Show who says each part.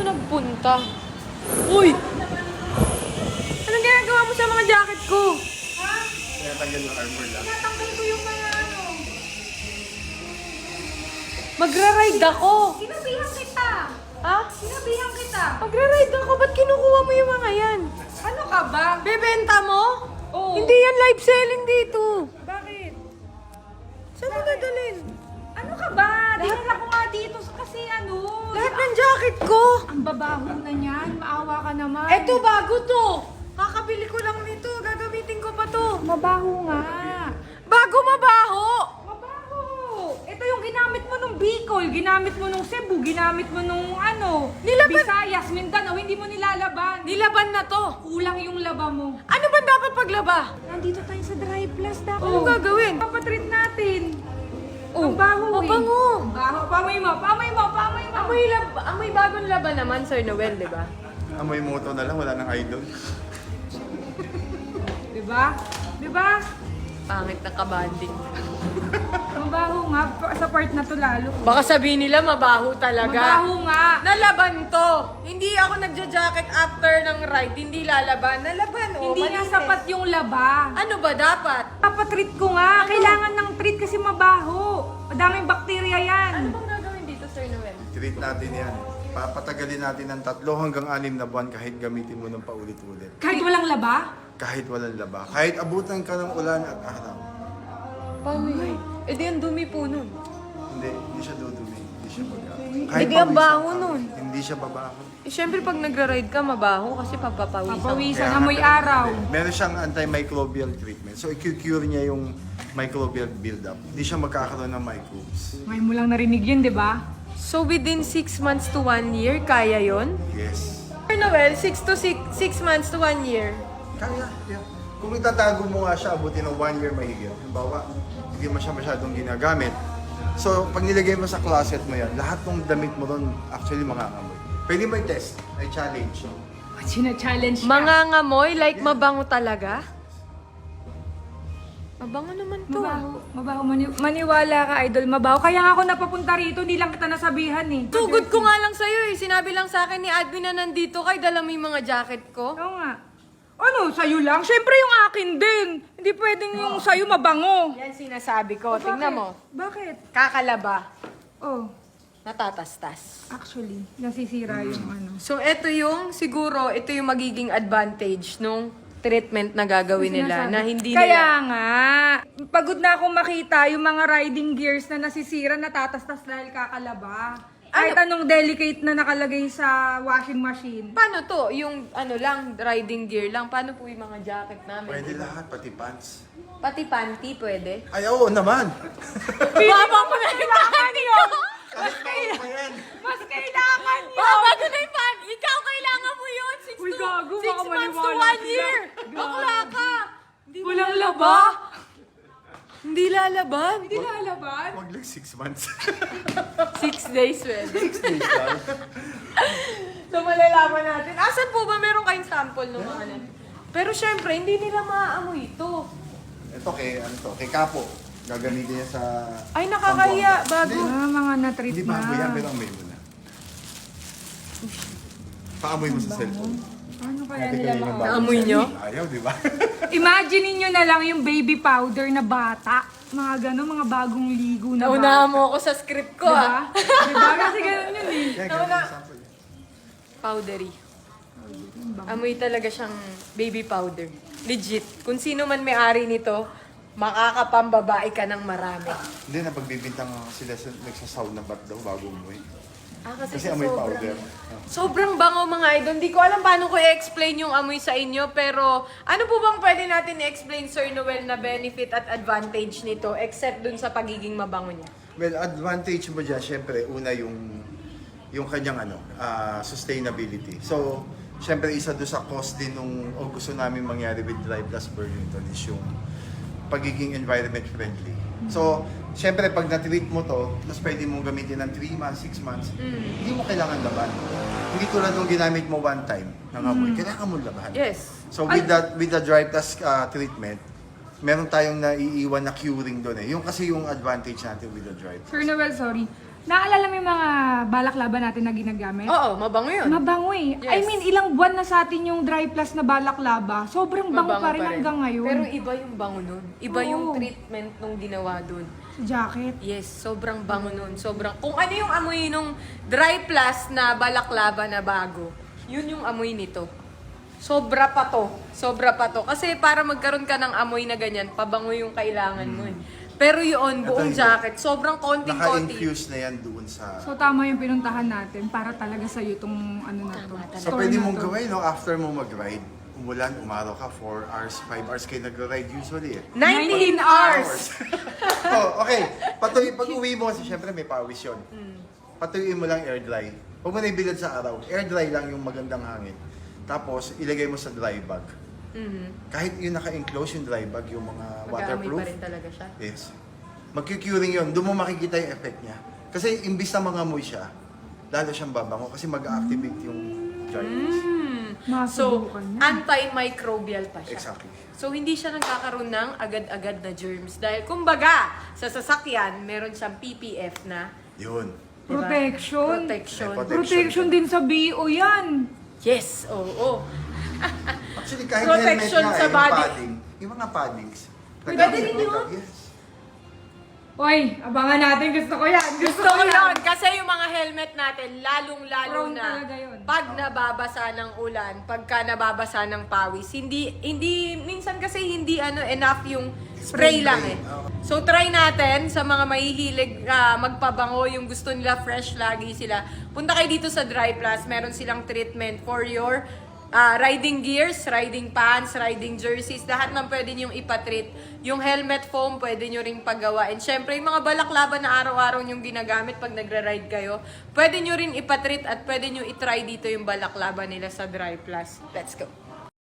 Speaker 1: nagpunta? Uy! Anong ginagawa mo sa mga jacket ko?
Speaker 2: Tinatanggal yung armor lang.
Speaker 3: Tinatanggal ko yung mga ano.
Speaker 1: Magra-ride ako.
Speaker 3: Sinabihan kita.
Speaker 1: Ha?
Speaker 3: Sinabihan kita.
Speaker 1: Magra-ride ako. Ba't kinukuha mo yung mga yan?
Speaker 3: Ano ka ba?
Speaker 1: Bebenta mo?
Speaker 3: Oo.
Speaker 1: Hindi yan live selling dito.
Speaker 3: Bakit?
Speaker 1: Saan mo dadalhin?
Speaker 3: Ano ka ba? Dinala ko nga dito kasi ano.
Speaker 1: Lahat ng jacket ko.
Speaker 3: Ang babaho na niyan. Maawa ka naman.
Speaker 1: Eto, bago to. Kakabili ko lang nito. Gagamitin ko pa to.
Speaker 3: Mabaho nga.
Speaker 1: Bago mabaho.
Speaker 3: Mabaho. Ito yung ginamit mo nung Bicol, ginamit mo nung Cebu, ginamit mo nung ano,
Speaker 1: Nilaban-
Speaker 3: Visayas, Mindanao, hindi mo nilalaban.
Speaker 1: Nilaban na to.
Speaker 3: Kulang yung laba mo.
Speaker 1: Ano ba dapat paglaba?
Speaker 3: Nandito tayo sa Dry Plus dapat.
Speaker 1: Ano gagawin?
Speaker 3: Papatreat natin.
Speaker 1: Oh,
Speaker 3: Ang baho eh.
Speaker 1: mabango.
Speaker 3: Ang baho. Pamoy mo, pamoy mo, pamoy mo.
Speaker 1: Amoy bagong laban naman, Sir Noel, di ba?
Speaker 2: Amoy moto na lang, wala nang idol.
Speaker 3: Diba? Diba?
Speaker 1: Pangit na kabanding.
Speaker 3: Ang baho nga. Sa part na to lalo.
Speaker 1: Baka sabihin nila mabaho talaga.
Speaker 3: Mabaho nga.
Speaker 1: Nalaban to. Hindi ako nagja-jacket after ng ride. Hindi lalaban. Nalaban, oh.
Speaker 3: Hindi nga
Speaker 1: malinis.
Speaker 3: sapat yung laba.
Speaker 1: Ano ba dapat?
Speaker 3: Papatreat ko nga. Kailangan ng treat kasi mabaho. Madaming bakterya yan.
Speaker 1: Ano bang gagawin dito, Sir Noel?
Speaker 2: Treat natin yan. Papatagalin natin ng 3 hanggang 6 na buwan kahit gamitin mo ng paulit-ulit.
Speaker 3: Kahit walang laba?
Speaker 2: Kahit walang laba. Kahit abutan ka ng ulan at araw.
Speaker 1: Paano yun? Eh di ang dumi po nun.
Speaker 2: Hindi siya dudumi. Hindi siya baga.
Speaker 1: Hindi ang baho nun.
Speaker 2: Hindi siya babaho.
Speaker 1: Eh syempre pag nagra-ride ka, mabaho kasi papapawisan.
Speaker 3: Papawisan,
Speaker 2: Kaya
Speaker 3: amoy
Speaker 2: nga,
Speaker 3: araw.
Speaker 2: Meron siyang antimicrobial treatment. So, i-cure niya yung microbial buildup. Hindi siya magkakaroon ng microbes.
Speaker 3: Ngayon mo lang narinig yun, di ba?
Speaker 1: So within 6 months to 1 year, kaya yon?
Speaker 2: Yes.
Speaker 1: Sir Noel, 6 months to 1 year.
Speaker 2: Kaya, yeah. Kung itatago mo nga siya, abutin ng 1 year mahigit. Halimbawa, hindi mo siya masyadong ginagamit. So, pag nilagay mo sa closet mo yan, lahat ng damit mo ron actually makakamoy. Pwede mo i-test, i-challenge.
Speaker 3: Sina-challenge ka.
Speaker 1: Mga ngamoy, like mabango talaga? Mabango naman to.
Speaker 3: Mabaho. Mabaho. Maniwala ka, idol. Mabaho. Kaya nga ako napapunta rito, hindi lang kita nasabihan eh.
Speaker 1: Tugod ko nga lang sa'yo eh. Sinabi lang sa akin ni admin na nandito kay dala mo yung mga jacket ko.
Speaker 3: Oo nga. Ano, sa'yo lang? Siyempre yung akin din. Hindi pwedeng yung sa'yo mabango.
Speaker 1: Yan sinasabi ko. Tingnan mo.
Speaker 3: Bakit?
Speaker 1: Kakalaba.
Speaker 3: Oh,
Speaker 1: Natatastas.
Speaker 3: actually, nasisira yung ano.
Speaker 1: So, ito yung, siguro, ito yung magiging advantage nung treatment na gagawin nila
Speaker 3: Sinasabi.
Speaker 1: na hindi
Speaker 3: Kaya
Speaker 1: nila...
Speaker 3: nga, pagod na akong makita yung mga riding gears na nasisira, natatastas dahil kakalaba. Kahit anong delicate na nakalagay sa washing machine.
Speaker 1: Paano to? Yung ano lang, riding gear lang. Paano po yung mga jacket namin?
Speaker 2: Pwede lahat, pati pants.
Speaker 1: Pati panty, pwede?
Speaker 2: Ay, oo naman!
Speaker 1: Baba mo na yung panty ko!
Speaker 2: Kahit bago pa yan.
Speaker 3: Mas kailangan yun!
Speaker 1: Baba ko na yung panty! Ikaw, kailangan mo yun! 6
Speaker 3: Uy, gago, baka
Speaker 1: months to
Speaker 3: maniwala
Speaker 1: 1
Speaker 3: sila.
Speaker 1: year!
Speaker 3: Gago.
Speaker 1: Bakla ka! Hindi mo
Speaker 3: Walang
Speaker 1: laba? Hindi lalaban?
Speaker 3: Hindi lalaban?
Speaker 2: Wag lang 6 months.
Speaker 1: 6 days pwede.
Speaker 2: 6 days lang.
Speaker 1: So, malalaman natin. Asan po ba meron kayong sample ng mga ano? Pero syempre, hindi nila maaamoy ito.
Speaker 2: Ito kay Kapo. Gagamitin niya sa...
Speaker 1: Ay, nakakahiya. Bago.
Speaker 3: Mga na-treat
Speaker 2: Hindi
Speaker 3: na.
Speaker 2: bago yan, pero amoy mo na. Paamoy mo sa cellphone.
Speaker 3: Ano kaya
Speaker 2: Dati
Speaker 3: nila
Speaker 2: kanina
Speaker 3: mga...
Speaker 2: bago.
Speaker 1: Naamoy nyo?
Speaker 2: Ayaw, di ba?
Speaker 3: Imagine niyo na lang yung baby powder na bata. Mga gano'n, mga bagong ligo na
Speaker 1: Naunahan
Speaker 3: bata.
Speaker 1: mo ako sa script ko, ah.
Speaker 3: Diba? Kasi gano'n yun eh.
Speaker 2: Yan, ganun yung sample.
Speaker 1: Powdery. Amoy talaga siyang baby powder. Legit. Kung sino man may-ari nito, makakapambabae ka ng marami.
Speaker 2: Hindi, napagbibintang sila nagsasaw na ba't daw bago umuwi.
Speaker 1: Kasi
Speaker 2: Kasi amoy powder.
Speaker 1: Sobrang bango mga idol. Hindi ko alam paano ko i-explain yung amoy sa inyo. Pero ano po bang pwede natin i-explain, Sir Noel, na benefit at advantage nito except dun sa pagiging mabango niya?
Speaker 2: Well, advantage mo dyan, syempre, una yung kanyang sustainability. So, syempre, isa doon sa cost din nung gusto namin mangyari with Dry Plus Burlington is yung pagiging environment friendly. So, syempre, pag na-treat mo to, tapos pwede mong gamitin ng 3 months, 6 months, hindi mo kailangan laban. Hindi tulad nung ginamit mo one time ng amoy, kailangan mo laban.
Speaker 1: Yes.
Speaker 2: So, with the Dry Plus treatment, meron tayong naiiwan na curing doon eh. Yung kasi yung advantage natin with the Dry Plus.
Speaker 3: Sir Noel, sorry. Naalala mo yung mga balaklava natin na ginagamit?
Speaker 1: Oo, mabango yun.
Speaker 3: Mabango eh.
Speaker 1: Yes.
Speaker 3: I mean, ilang buwan na sa atin yung Dry Plus na balaklava. Sobrang bango
Speaker 1: Mabango
Speaker 3: pa rin hanggang ngayon.
Speaker 1: Pero iba yung bango nun. Iba yung
Speaker 3: Oo.
Speaker 1: treatment nung ginawa dun.
Speaker 3: Sa jacket.
Speaker 1: Yes, sobrang bango nun. Sobrang, kung ano yung amoy nung Dry Plus na balaklava na bago, yun yung amoy nito. Sobra pa to. Sobra pa to. Kasi para magkaroon ka ng amoy na ganyan, pabango yung kailangan mo eh. Pero yun, buong
Speaker 2: Ito,
Speaker 1: jacket, sobrang konting-konti.
Speaker 2: Naka-infuse na yan doon sa...
Speaker 3: So tama yung pinuntahan natin para talaga sa'yo itong ano na to.
Speaker 1: Tama talaga.
Speaker 2: So
Speaker 3: store
Speaker 2: pwede
Speaker 3: na
Speaker 2: mong
Speaker 3: to.
Speaker 2: gawin, no? After mo mag-ride, umulan, umaraw ka, 4 hours, 5 hours kayo nag-ride usually eh.
Speaker 1: 19 hours!
Speaker 2: Oh, okay. Pag uwi mo kasi syempre may pawis yun. Patuyuin mo lang air dry. Huwag mo na ibilad sa araw. Air dry lang yung magandang hangin. Tapos ilagay mo sa dry bag. Kahit yung naka-enclose yung dry bag, yung mga
Speaker 1: Mag-aamoy
Speaker 2: waterproof.
Speaker 1: pa rin talaga siya.
Speaker 2: Yes. Magki-curing yun. Doon mo makikita yung effect niya. Kasi imbis na mga amoy siya, lalo siyang babango kasi mag-activate yung germs.
Speaker 1: So,
Speaker 3: Masubukan niya.
Speaker 1: antimicrobial pa siya.
Speaker 2: Exactly.
Speaker 1: So, hindi siya nagkakaroon ng agad-agad na germs. Dahil, kumbaga, sa sasakyan, meron siyang PPF na
Speaker 2: Yun.
Speaker 1: diba?
Speaker 3: Protection.
Speaker 1: Protection.
Speaker 2: May
Speaker 3: Protection din sa BO yan.
Speaker 1: Yes, oo.
Speaker 2: Actually, kahit
Speaker 1: Protection
Speaker 2: helmet nga,
Speaker 1: sa
Speaker 2: yung
Speaker 1: body.
Speaker 2: padding, yung mga paddings.
Speaker 1: Pwede rin yun?
Speaker 2: Yes.
Speaker 3: Oy, abangan natin. Gusto ko yan.
Speaker 1: Gusto ko yun. Kasi yung mga helmet natin, lalong-lalo
Speaker 3: Prone
Speaker 1: na
Speaker 3: talaga yun.
Speaker 1: pag nababasa ng ulan, pagka nababasa ng pawis, minsan kasi hindi enough yung spray lang eh. So try natin sa mga mahihilig magpabango, yung gusto nila fresh lagi sila. Punta kayo dito sa Dry Plus, meron silang treatment for your riding gears, riding pants, riding jerseys, lahat ng pwede niyong ipatreat. Yung helmet foam, pwede nyo ring paggawa. And syempre, yung mga balaklava na araw-araw nyong ginagamit pag nagra-ride kayo, pwede nyo rin ipatreat at pwede nyo itry dito yung balaklava nila sa Dry Plus. Let's go!